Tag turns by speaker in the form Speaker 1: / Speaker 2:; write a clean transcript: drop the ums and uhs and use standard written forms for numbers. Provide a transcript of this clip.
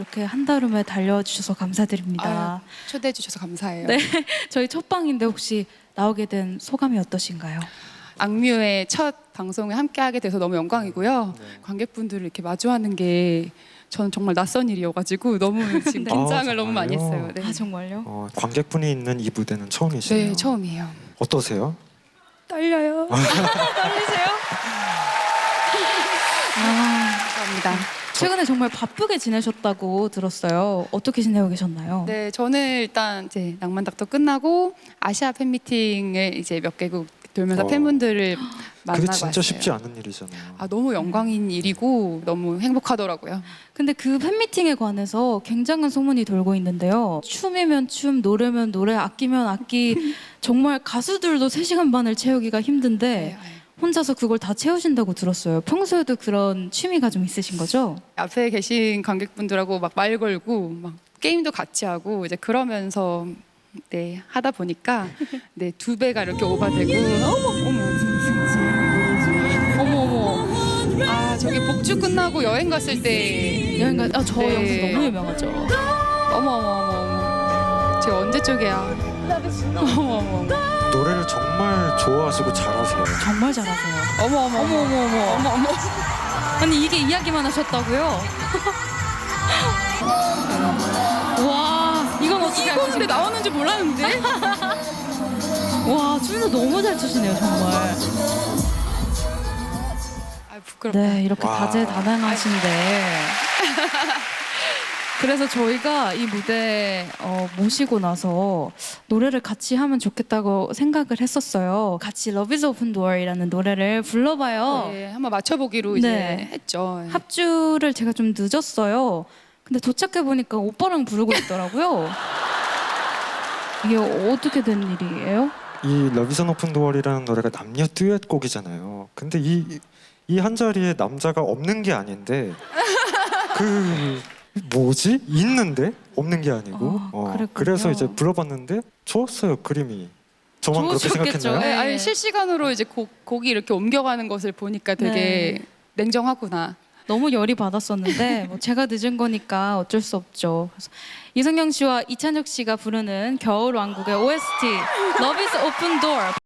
Speaker 1: 이렇게 한달음에 달려주셔서 감사드립니다.
Speaker 2: 초대해 주셔서 감사해요.
Speaker 1: 네, 저희 첫 방인데 혹시 나오게 된 소감이 어떠신가요?
Speaker 2: 악뮤의 첫 방송에 함께하게 돼서 너무 영광이고요. 관객분들을 이렇게 마주하는 게 저는 정말 낯선 일이어가지고 너무 지금 긴장을 너무 많이 했어요. 네.
Speaker 1: 아 정말요?
Speaker 3: 관객분이 있는 이 무대는 처음이시네요.
Speaker 2: 네, 처음이에요.
Speaker 3: 어떠세요?
Speaker 2: 떨려요.
Speaker 1: 떨리세요?
Speaker 2: 감사합니다.
Speaker 1: 최근에 정말 바쁘게 지내셨다고 들었어요. 어떻게 지내고 계셨나요?
Speaker 2: 네, 저는 일단 이제 낭만닥터 끝나고 아시아 팬미팅을 이제 몇 개국 돌면서 팬분들을 만나고
Speaker 3: 그게 진짜
Speaker 2: 왔어요.
Speaker 3: 쉽지 않은 일이잖아요.
Speaker 2: 너무 영광인 일이고 너무 행복하더라고요.
Speaker 1: 근데 그 팬미팅에 관해서 굉장한 소문이 돌고 있는데요. 춤이면 춤, 노래면 노래, 악기면 악기 정말 가수들도 3시간 반을 채우기가 힘든데 혼자서 그걸 다 채우신다고 들었어요. 평소에도 그런 취미가 좀 있으신 거죠?
Speaker 2: 앞에 계신 관객분들하고 막 말 걸고 막 게임도 같이 하고 이제 그러면서 네 하다 보니까 네 2배가 이렇게 오바되고
Speaker 1: 어머.
Speaker 2: 아 저기 복주 끝나고 여행 갔을 때
Speaker 1: 여행가 저
Speaker 2: 네.
Speaker 1: 영상 너무 유명하죠.
Speaker 2: 어머 제가 언제 쪽이야 어머
Speaker 3: 노래를 정말 좋아하시고 잘하세요.
Speaker 1: 정말 잘하세요.
Speaker 2: 어머
Speaker 1: 아니 이게 이야기만 하셨다고요? 와 이건 어떻게
Speaker 2: 이거 근데 나오는 줄 몰랐는데
Speaker 1: 와 춤도 너무 잘 추시네요 정말.
Speaker 2: 부끄럽다.
Speaker 1: 네 이렇게
Speaker 3: 와.
Speaker 1: 다재다능하신데 그래서 저희가 이 무대 모시고 나서 노래를 같이 하면 좋겠다고 생각을 했었어요. 같이 Love is Open Door이라는 노래를 불러봐요.
Speaker 2: 네, 한번 맞춰보기로 이제
Speaker 1: 네.
Speaker 2: 했죠.
Speaker 1: 합주를 제가 좀 늦었어요. 근데 도착해 보니까 오빠랑 부르고 있더라고요. 이게 어떻게 된 일이에요?
Speaker 3: 이 Love is an Open Door이라는 노래가 남녀 듀엣곡이잖아요. 근데 이 한 자리에 남자가 없는 게 아닌데 그 뭐지? 있는데 없는 게 아니고
Speaker 1: 그랬군요.
Speaker 3: 그래서 이제 불러봤는데 좋았어요. 그림이. 저만 그렇게
Speaker 1: 좋으셨겠죠.
Speaker 3: 생각했나요?
Speaker 2: 네,
Speaker 1: 네.
Speaker 2: 아니 실시간으로 이제 곡이 이렇게 옮겨가는 것을 보니까 되게
Speaker 1: 네.
Speaker 2: 냉정하구나.
Speaker 1: 너무 열이 받았었는데 뭐 제가 늦은 거니까 어쩔 수 없죠. 그래서 이성경 씨와 이찬혁 씨가 부르는 겨울왕국의 OST Love is Open Door